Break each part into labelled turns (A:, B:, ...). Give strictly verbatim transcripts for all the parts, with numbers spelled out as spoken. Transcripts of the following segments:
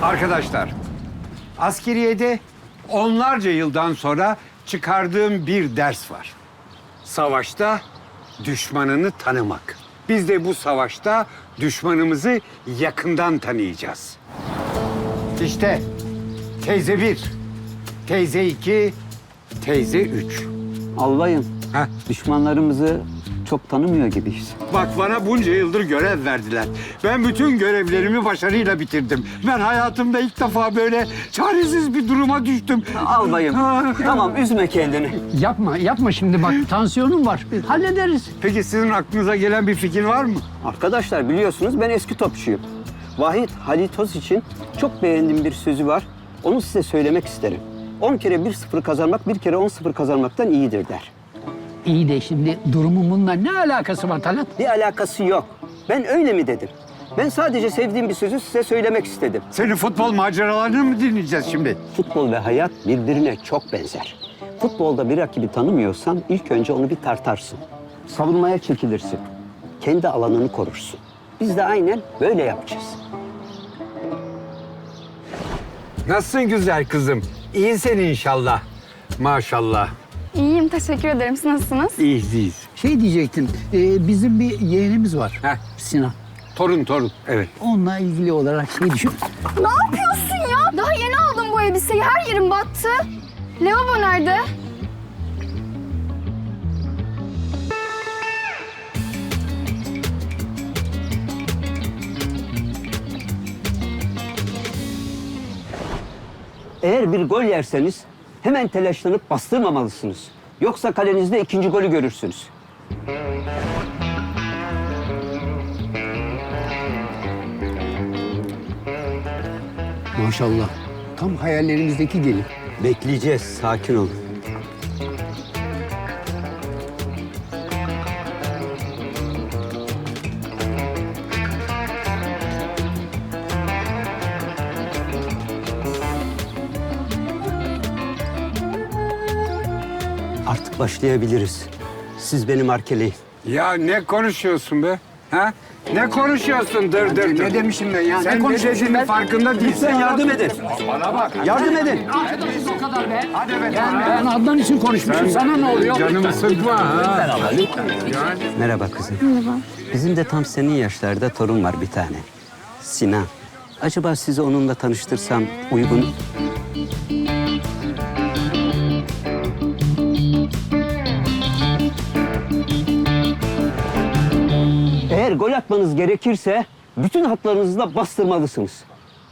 A: Arkadaşlar, askeriyede onlarca yıldan sonra çıkardığım bir ders var. Savaşta düşmanını tanımak. Biz de bu savaşta düşmanımızı yakından tanıyacağız. İşte teyze bir, teyze iki, teyze üç.
B: Albayım,
A: Heh.
B: düşmanlarımızı çok tanımıyor gibiyiz.
A: Bak bana bunca yıldır görev verdiler. Ben bütün görevlerimi başarıyla bitirdim. Ben hayatımda ilk defa böyle çaresiz bir duruma düştüm.
B: Albayım, tamam üzme kendini.
C: Yapma, yapma şimdi bak. Tansiyonum var. Hallederiz.
A: Peki sizin aklınıza gelen bir fikir var mı?
B: Arkadaşlar biliyorsunuz ben eski topçuyum. Vahit Halitos için çok beğendiğim bir sözü var. Onu size söylemek isterim. On kere bir sıfır kazanmak, bir kere on sıfır kazanmaktan iyidir der.
C: İyi de şimdi durumun bununla ne alakası var Talat?
B: Bir alakası yok. Ben öyle mi dedim? Ben sadece sevdiğim bir sözü size söylemek istedim.
A: Senin futbol maceralarını mı dinleyeceğiz şimdi?
B: Futbol ve hayat birbirine çok benzer. Futbolda bir rakibi tanımıyorsan ilk önce onu bir tartarsın. Savunmaya çekilirsin. Kendi alanını korursun. Biz de aynen böyle yapacağız.
A: Nasılsın güzel kızım? İyisin inşallah. Maşallah.
D: İyiyim, teşekkür ederim. Siz nasılsınız?
A: İyiyiz, iyiyiz.
C: Şey diyecektim. e, bizim bir yeğenimiz var.
A: Heh.
C: Sinan.
A: Torun, torun. Evet.
C: Onunla ilgili olarak şey düşün.
D: Ne yapıyorsun ya? Daha yeni aldım bu elbiseyi. Her yerim battı. Lavabo nerede?
B: Eğer bir gol yerseniz hemen telaşlanıp bastırmamalısınız. Yoksa kalenizde ikinci golü görürsünüz.
C: Maşallah. Tam hayallerimizdeki gelin.
B: Bekleyeceğiz, sakin olun. Artık başlayabiliriz. Siz beni markeleyin.
A: Ya ne konuşuyorsun be? Ha? Ne konuşuyorsun dır dır dır?
C: Ne demişim ben ya?
A: Sen
C: ne
A: ne
C: konuşuyorsun
A: dediğinin
C: ben?
A: farkında değilsin.
B: Lütfen yardım edin.
A: Bana bak.
B: Yardım edin.
C: O kadar be.
A: Hadi be.
C: Ben, ben Adnan için konuşmuşum. Sana ne oluyor?
A: Canımı sıkma ha.
B: Merhaba kızım. Merhaba. Bizim de tam senin yaşlarda torun var bir tane. Sinan. Acaba sizi onunla tanıştırsam uygun... Eğer gol atmanız gerekirse bütün hatlarınızla bastırmalısınız.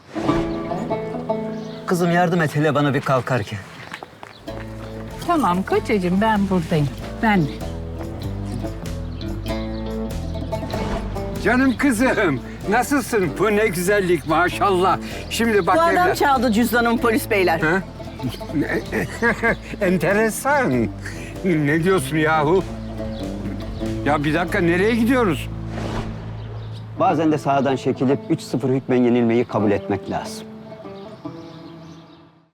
B: Kızım yardım et hele bana bir kalkarken.
E: Tamam kocacığım ben buradayım. Ben
A: Canım kızım. Nasılsın? Bu ne güzellik maşallah. Şimdi bak
F: Bu adam
A: evlat.
F: çaldı cüzdanımı polis beyler.
A: Ha? Enteresan. Ne diyorsun yahu? Ya bir dakika nereye gidiyoruz?
B: Bazen de sahadan çekilip üç sıfır hükmen yenilmeyi kabul etmek lazım.